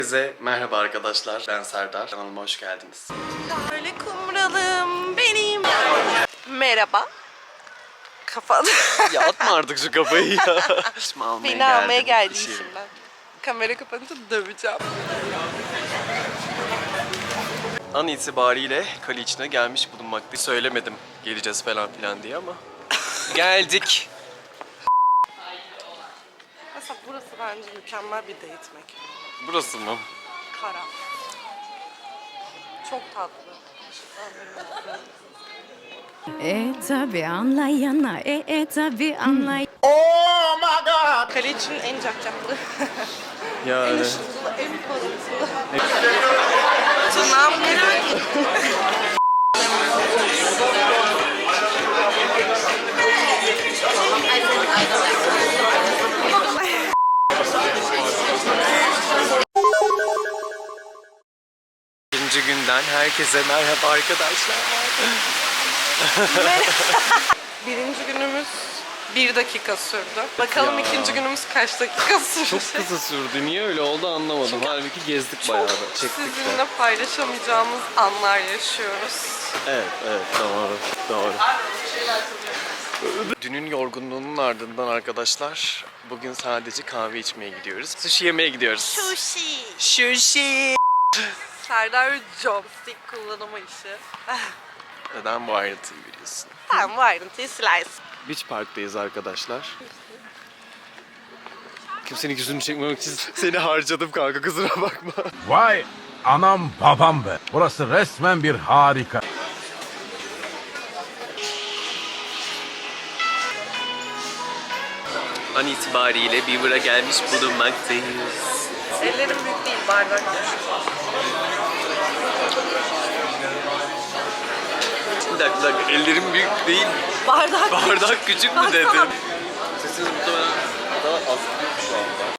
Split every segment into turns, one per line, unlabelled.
Herkese merhaba arkadaşlar, ben Serdar. Kanalıma hoş geldiniz.
Böyle kumralım benim. Merhaba. Kafalı.
Ya atma artık şu kafayı ya.
Beni almaya geldi
İşim.
işimden. Kamera kapanınca döveceğim.
An itibariyle kale içine gelmiş bulunmaktayız. Söylemedim geleceğiz falan filan diye ama geldik.
Mesela burası bence mükemmel bir date mekanı.
Burası mı?
Kara. Çok tatlı.
Tabi anlayana tabi anlay.
Kale için en cakcaklı. En
Yani.
ışıltılı, en parıltılı. Tırnağım merak ettim.
İkinci günden herkese merhaba arkadaşlar.
Birinci günümüz 1 dakika sürdü. Bakalım
Ya.
ikinci günümüz kaç dakika sürecek.
Çok kısa sürdü. Niye öyle oldu anlamadım.
Çünkü
Halbuki gezdik
Çok
bayağı da. Çektik de.
sizinle paylaşamayacağımız anlar yaşıyoruz.
Evet, doğru. Dünün yorgunluğunun ardından arkadaşlar, bugün sadece kahve içmeye gidiyoruz. Sushi yemeye gidiyoruz. Sushi.
Serdar joystick kullanımı işi.
Neden bu ayrıntıyı biliyorsun?
Tamam, bu ayrıntıyı silersin.
Beach Park'tayız arkadaşlar. Kimsenin yüzünü çekmemek için seni harcadım kanka, kusura bakma.
Vay anam babam be. Burası resmen bir harika.
An itibariyle Beaver'a gelmiş bulunmaktayız.
Ellerim büyük değil, bardak küçük.
Bir dakika, ellerim büyük değil.
Bardak
Küçük mü
Baksana.
dedim? Sesiniz muhtemelen daha az duyuyor şu anda.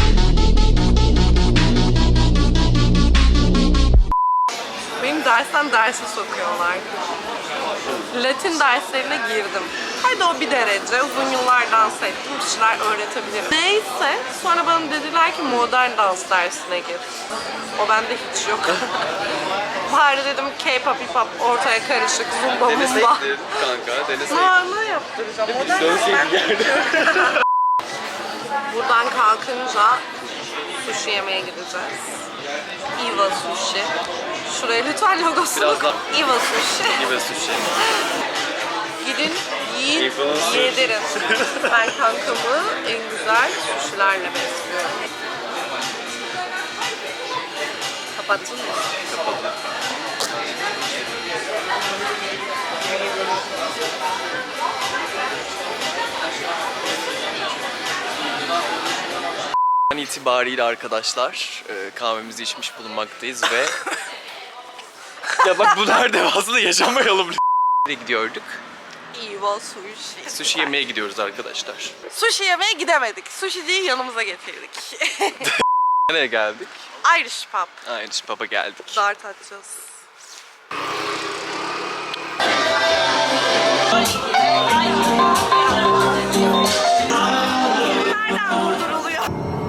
Benim dersten derse sokuyorlar. Latin derslerine girdim. Hadi o bir derece. Uzun yıllar dans ettim. Bir şeyler öğretebilirim. Neyse. Sonra bana dediler ki modern dans dersine gir. O bende hiç yok. Bari dedim K-pop, hip-hop ortaya karışık. Zumba, mumba.
Deneseydin kanka, deneseydin.
Ne yaptıracağım? Modern dans
Dönseydin
ben...
yerde.
Buradan kalkınca sushi yemeye gideceğiz. Iva Sushi. Şuraya lütfen logosunu
Biraz
koy.
daha-
Iva Sushi.
Gibi sushi.
Gidin, yiyin,
Iva Sushi.
yedirin. Ben kankamı en güzel sushilerle besliyorum. Kapattın mı?
An itibariyle arkadaşlar kahvemizi içmiş bulunmaktayız ve ya bak bu nerede aslında yaşamayalım. Nereye gidiyorduk?
Iva Sushi.
Sushi yemeye gidiyoruz arkadaşlar.
Sushi yemeye gidemedik. Sushi'yi yanımıza getirdik.
Nereye geldik?
Irish Pub.
Aynı Pub'a geldik.
Dart atacağız. Nereden vurduruluyor?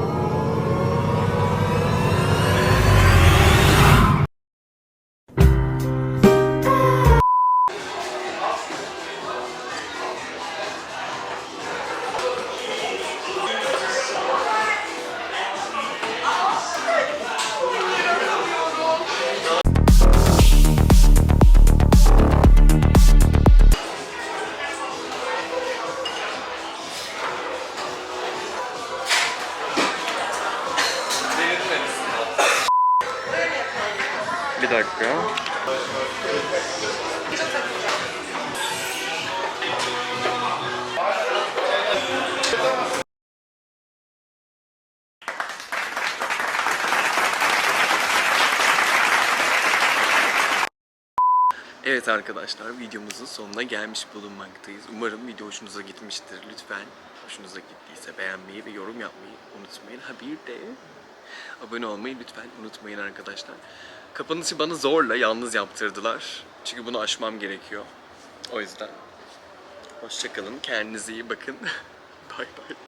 Bir dakika. Evet arkadaşlar, videomuzun sonuna gelmiş bulunmaktayız. Umarım video hoşunuza gitmiştir. Lütfen hoşunuza gittiyse beğenmeyi ve yorum yapmayı unutmayın. Ha bir de abone olmayı lütfen unutmayın arkadaşlar. Kapanışı bana zorla yalnız yaptırdılar. Çünkü bunu aşmam gerekiyor. O yüzden hoşça kalın, kendinize iyi bakın. Bay bay.